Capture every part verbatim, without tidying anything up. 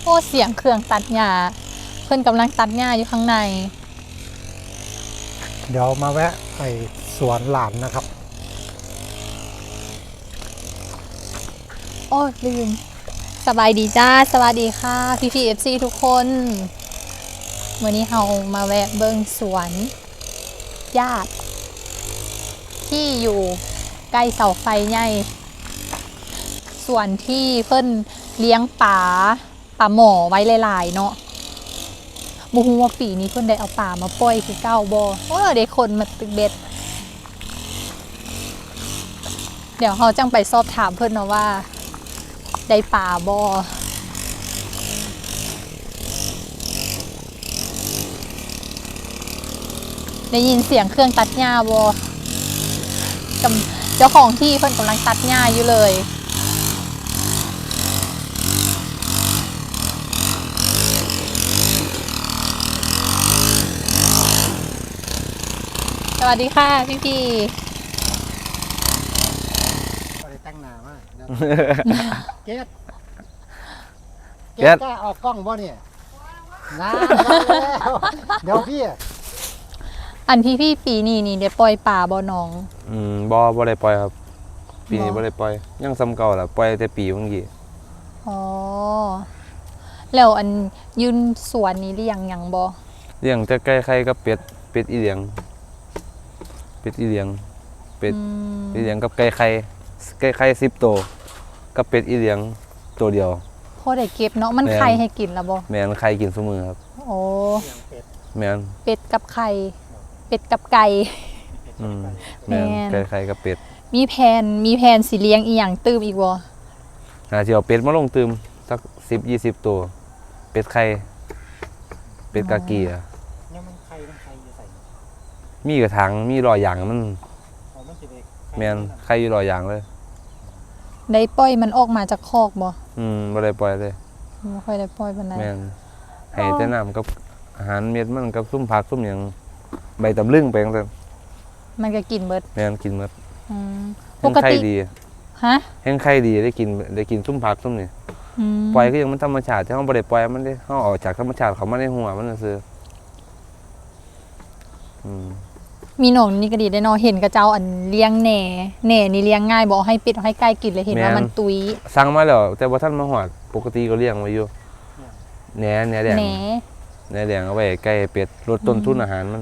โอ้เสียงเครื่องตัดหญ้าเพื่อนกำลังตัดหญ้าอยู่ข้างในเดี๋ยวมาแวะไอสวนหลานนะครับโอ้ลืมสบายดีจ้าสวัสดีค่ะพี่พีเอฟซีทุกคนวันนี้เรามาแวะเบิ้งสวนญาติที่อยู่ใกล้เสาไฟใหญ่ส่วนที่เพิ่นเลี้ยงป่าป่าหมอไว้หลายๆเนาะบูฮูว่าปีนี้เพิ่นได้เอาป่ามาปล่อยคือเก้าบ่โอ้ได้คนมาตึกเบ็ดเดี๋ยวเราจังไปสอบถามเพิ่นเนาะว่าได้ป่าบ่ได้ยินเสียงเครื่องตัดหญ้าบ่เจ้าของที่เพิ่นกำลังตัดหญ้าอยู่เลยสวัสดีค่ะพี่พี่ไปแต่งหน้ามากเกดเกเกดดกล้าออกกล้องบ่เนี่ยน้าเดี๋ยวพี่อันพี่พี่ปีนี้นี่ได้ปล่อยป่าบ่น้องอืมบ่บ่ได้ปล่อยครับปีนี้บ่บ่ได้ปล่อยยังซ้ำเก่าล่ะปล่อยแต่ปีเมื่อกี้อ๋อแล้วอันยืนสวนนี้เลี้ยงหยังบ่เลี้ยงแต่ไก่ไข่กับเป็ดเป็ดอีเหลียงเป็ดอีเหลียงเป็ดอืมอีเหลียงกับไก่ไข่ไก่ไข่สิบตัวกับเป็ดอีเหลียงตัวเดียวพอได้เก็บเนาะมันแม่นไข่ให้กินแล้วบ่แม่นไข่กินซุมื้อครับโอ้แม่นเป็ดกับไข่เป็ดกับไก่อืมแม่นแม่นไก่ไข่กับเป็ดมีแผนมีแผนสิเลี้ยงอีหยังตื้มอีกบ่หาสิเอาเป็ดมาลงตืมสักสิบ ยี่สิบตัวเป็ดไข่เป็ดกากีอ่ะเนี่ยมันใครมันใครจะใส่มีกระถางมีรอยยางมันอ๋อมันสิได้แม่นไข่อยู่รอยยางเลยได้ปล่อยมันออกมาจากคอกบ่อืมบ่ได้ปล่อยเลยบ่ค่อยได้ปล่อยปานใดแม่นให้แต่น้ำกับอาหารเม็ดมันกับซุ่มผักซุ่มหยังใบตำลึงไปจังซั่นมันก็กินเบิดแม่นกินหมดอืมปแห้งกไข่ติดีฮะแห้งไข่ดีได้กินได้กินซุ่มผักซุ่มนี่อืมปล่อยก็ยังมันธรรมชาติที่เฮาบ่ได้ปล่อยมันได้เฮาออกจากธรรมชาติเขามาในหัวมันซื่ออืมมีหนองนี่ก็ดีได้เนาะเห็นกระเจ้าอันเลี้ยงแหน่แหน่นี่เลี้ยงง่ายบ่ให้เป็ดให้ไก่กินเลยเห็นว่ามันตุยสั่งมาแล้วแต่บ่ทันมาฮอดปกติก็เลี้ยงไว้อยู่แหนแหนแดงแหน่แหนแดงเอาไว้ให้ไก่เป็ดลดต้นทุนอาหารมัน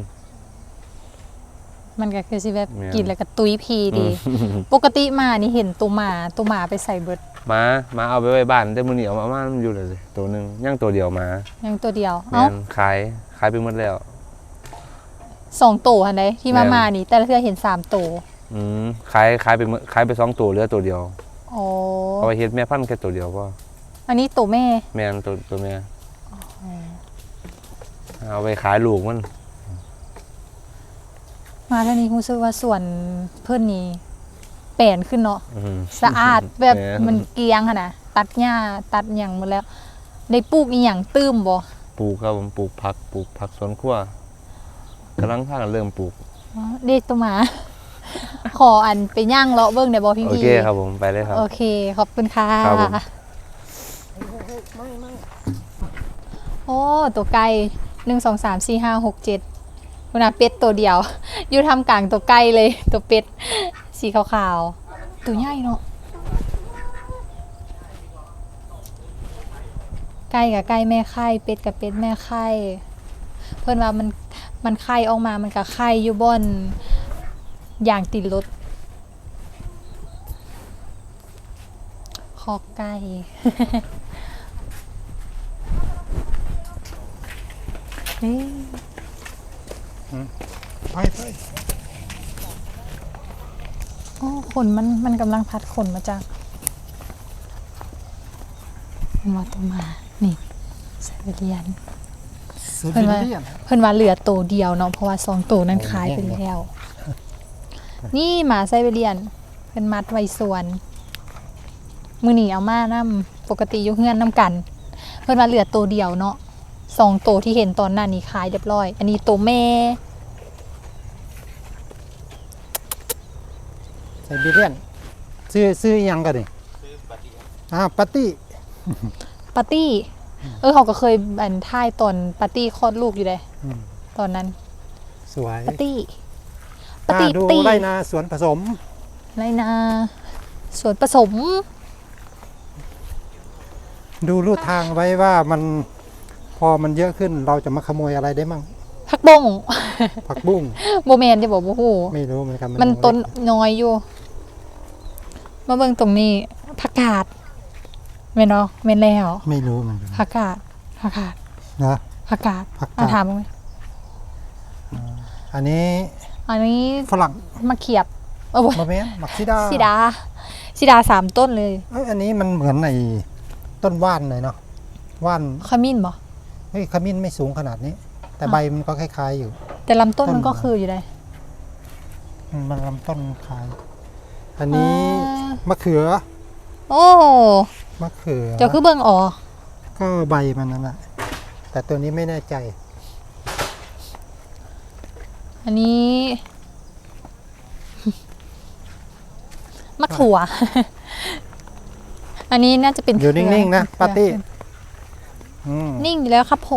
มันก็คือสิแบบแม่นกินแล้วก็ตุยพีดีอืมปกติมานี่เห็นตัวหมาตัวหมาไปใส่เบิดหมาหมาเอาไปไว้บ้านแต่มื้อนี้เอามามันอยู่เลยตัวหนึงยังตัวเดียวหมายังตัวเดียวแม่เอ้านขายขายไปหมดแล้วสองตัวหันใดที่มาแม่นมานี่ แต่ละเทื่อเห็นสามตัวอืมขายขายไปหมดขายไปสองตัวเหลือตัวเดียวโอ้เอาไปเฮ็ดแม่พันธุ์แค่ตัวเดียวพออันนี้ตัวแม่แม่นตัวตัวแม่เอาไปขายลูกมันมาเท่านี้รู้สึกว่าส่วนเพิ่นนี่แปลนขึ้นเนาะอืมสะอาดแบบแม่มันเกรียงหั่นน่ะตัดหญ้าตัดหยังหมดแล้ว ได้ปลูกอีหยังตื้มบ่ปลูกครับผมปลูกผักปลูกผักสวนครัวกำลังพากันเริ่มปลูกอ๋อเด็กตัวหมา ขออันไปย่างเลาะเบิ่งได้บ่พี่โอพี่เคครับผมไปเลยครับโอเค ขอบคุณค่ะครับผมไม่ไม่โอ้ตัวไก่หนึ่งสองสามสี่ห้าหกเจ็ดคุณอาเป็ดตัวเดียว อยู่ทำกลางตัวไก่เลย ตัวเป็ด สีขาวๆ ตัวใหญ่เนาะไก่กับไก่แม่ไข่เป็ดกับเป็ดแม่ไข่เพิ่นว่ามันมันไข่ออกมามันกับไข่อยู่บนอย่างติดรถคอกไก่ นี่ไปไปโอ้ขนมันมันกำลังพัดขนมาจากมันว่าตัวมา นี่ไซบีเรียนเสือเพิ่นว่าเลียนเพิ่นว่าเหลือตัวเดียวเนาะเพราะว่าสองตัวนั้นขายไปแล้ว นี่หมาไซบีเรียนเป็นมัดไว้สวน มือหนีเอามานํปกติอยุเฮือนนํกัน เพิ่นว่าเหลือตัวเดียวเนาะสองตัวที่เห็นตอนนั้นนี่ขายเรียบร้อย อันนี้ตัวแม่ไซบีเรียนซื้อซื้ออีหยังกันนี่ซื้อปาร์ตี้อ่าปาร์ตี้ปาร์ตี้เออเขาก็เคยบันท่ายตอนปาร์ตี้คลอดลูกอยู่เลยอืมตอนนั้นสวยปาร์ตี้ปาร์อ่าตี้ดูตี้ไรนาสวนผสมไรนาส่วนผสมดูรูทางไว้ว่ามันพอมันเยอะขึ้นเราจะมาขโมยอะไรได้มั่งผักบงผักบุ้งโบแมนจะบอกว่าโหไม่รู้เหมือนกันมันยังต้นเล็กน้อยอยู่ มาเบิ่งตรงนี้ผักกาดแม่นเนาะแม่นแล้วไม่รู้เหมือนกันผักกาดผักกาดนะผักกาดผักกาดอ่ะถามมึงไหมอันนี้อันนี้ฝรั่งมะเขียบเออโว้ยมะเม้นมักซิดาสีดาสีดาสามต้นเลยเอ้ยอันนี้มันเหมือนในต้นว่านเลยเนาะว่านขมิ้นบ่เฮ้ยขมิ้นไม่สูงขนาดนี้ แต่อ่ะใบมันก็คล้ายๆอยู่แต่ลำต้นต้นมันก็คืออยู่เลยอืมมันลำต้นคล้าย อันนี้อ่ามมะเขือโอ้มะเขือเจ้าคือเบิ่งอ๋อก็ใบมันนั่นแหละแต่ตัวนี้ไม่แน่ใจอันนี้ มะถั่ว อันนี้น่าจะเป็นอยู่นิ่งๆนะเครือปาร์ตี้อืมนิ่งอยู่แล้วครับผม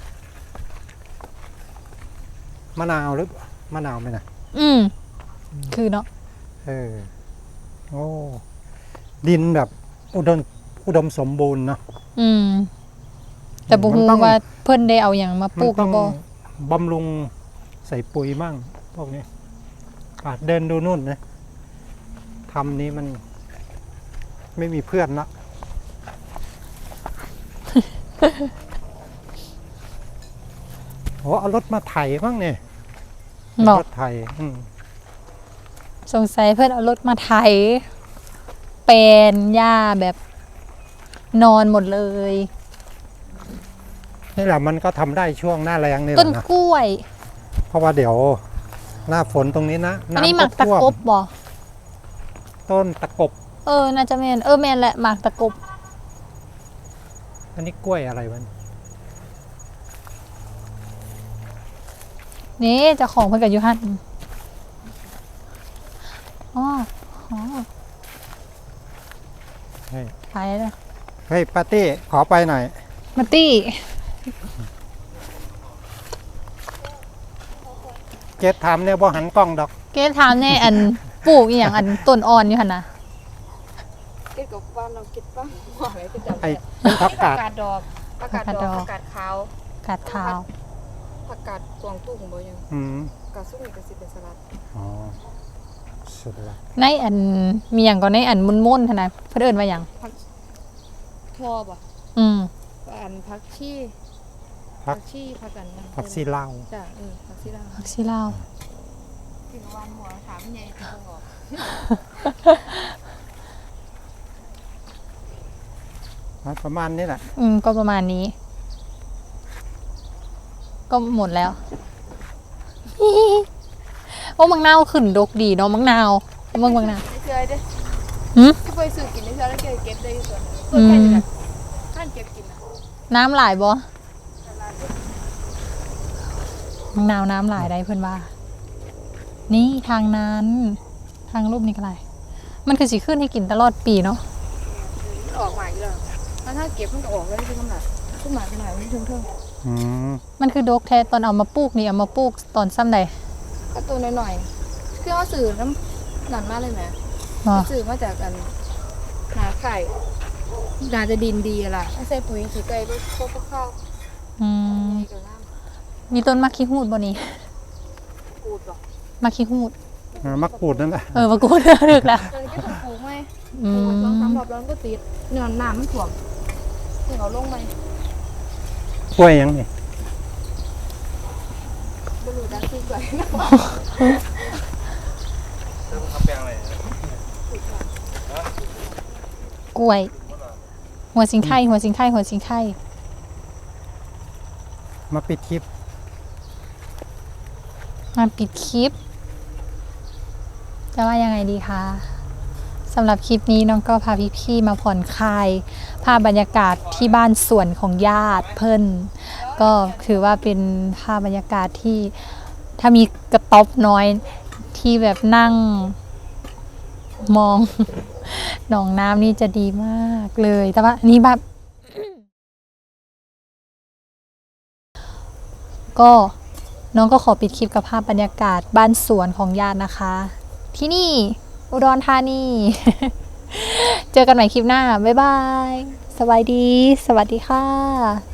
มะนาวหรือมะนาวไหมนะอืม คือเนาะเออโอ้ดินแบบอุดมอุดมสมบูรณ์เนาะอืม แต่บุมันฮูต้องว่าเพิ่นได้เอาอย่างมาปมัลูนกหต้รือ อง บ่บำรุงใส่ปุ๋ยมั่งพวกนี้อ่ะเดินดูนู่นนะทำนี้มัน ไม่มีเพื่อนละ โอ้เอารถมาไถบ้างเนี่ยบอกรถไถอืมสงสัยเพิ่นเอารถมาไถแปลนหญ้าแบบนอนหมดเลยนี่แหละมันก็ทำได้ช่วงหน้าแรงนี่แหต้นละนะกล้วยเพราะว่าเดี๋ยว หน้าฝนตรงนี้นะอันนี้หน้ำมากตะท่วมกบบ่ต้นตะกบเออ น่าจะแม่นเออแม่นแหละหมากตะกบอันนี้กล้วยอะไรวะนี่เจ้าของเพิ่นกับยูฮันอ๋ออ๋อเฮ้ยไปแล้วเฮ้ยปาร์ตี้ขอไปหน่อยมาตี้เจ็ดถามเนี่ยบ่หันกล้องดอกเกถามแน่อันปลูกอหย่างอันต้นอ่อนอยู่หั่นนะเก็บกับบ้านเราเก็บบ้างหัวอะไรก็จำไอ้ไม่เป็นผักกาดผักกาดดอกผักกาดดอกผักกาดขาวกาดขาวผักกาดตวงตุ้งบ่ยังอืมกาดซุ่มนี่ก็สิเป็นสลัดอ๋อสุดละในอันมีอย่างก่อนในอันมุนมุนๆหั่นนะเพิ่นเอิ้นว่าหยังทั่วบ่อืมอันผักชีผักชีผักกันนั่นผักซีลาวจ้ะเออผักชีลาวผักชีลาวกินวันหัวถามใหญ่ที่บ่ออกประมาณนี้แหละอืมก็ประมาณนี้ ก็หมดแล้ว โอ้มังนาวขึ้นดกดีเนาะมังนาวเมืองมังนาวไม่เคยเด้หืมก็ไปซื้อกินได้เท่าแล้วเก็บเก็บได้อยู่ส่วนนึงอืเพิ่นมแค่นี้แหละท่านเก็บกินนะน้ำหลายบ่ตลาดมังนาวน้ำหลายได้เพื่อนว่า นี่ทางนั้น ทางรูปนี้ก็ไรมันคือสีขึ้นให้กินตลอดปีเนาะมันออกมาอีกแล้วแล้วถ้าเก็บมันก็ออกแล้วที่กำลังขึ้นมาขนาดนี้เทิงอืมมันคือดกแท้ตอนเอามาปลูกนี่เอามาปลูกตอนซ้ำใดๆก็ตัวหน่อยๆคือเอาสื่อน้ำหนันมากเลยไหมอ๋อสื่อมาจากกันนาไข่นาจะดินดีอะล่ะไม่ใส่ปุ๋ยขี้ไก่ด้วยพวกข้าวอืมนี่ก็น้มีต้นมะขี้หูดบ่นี่ำปูดหรอกมะขี้หูดอ่ามักปูดนั่นแหละเออมะกรูดลึกละตอนนี้ก็ถูกปลูกไหมอืปลูกสองสามมรอบแล้วมันก็ติดเนื้อน้ำมันถ่วมถึงเอาลงไหมกล้วยยังนี่บรูดักซี่ไก่กล้วย หัวสิงไข่หัวสิงไข่หัวสิงไข่มาปิดคลิปมาปิดคลิป จะว่ายังไงดีคะสำหรับคลิปนี้น้องก็พาพี่ๆมาผ่อนคลายภาพบรรยากาศที่บ้านสวนของญาติเพิ่นก็ถือว่าเป็นภาพบรรยากาศที่ถ้ามีกระต๊อบน้อยที่แบบนั่งมอง หนองน้ำนี่จะดีมากเลยแต่ว่านี่แบบก็น้องก็ขอปิดคลิปกับภาพบรรยากาศบ้านสวนของญาตินะคะ ที่นี่อุดรธานี เจอกันใหม่คลิปหน้า บ๊ายบาย สวัสดี สวัสดีค่ะ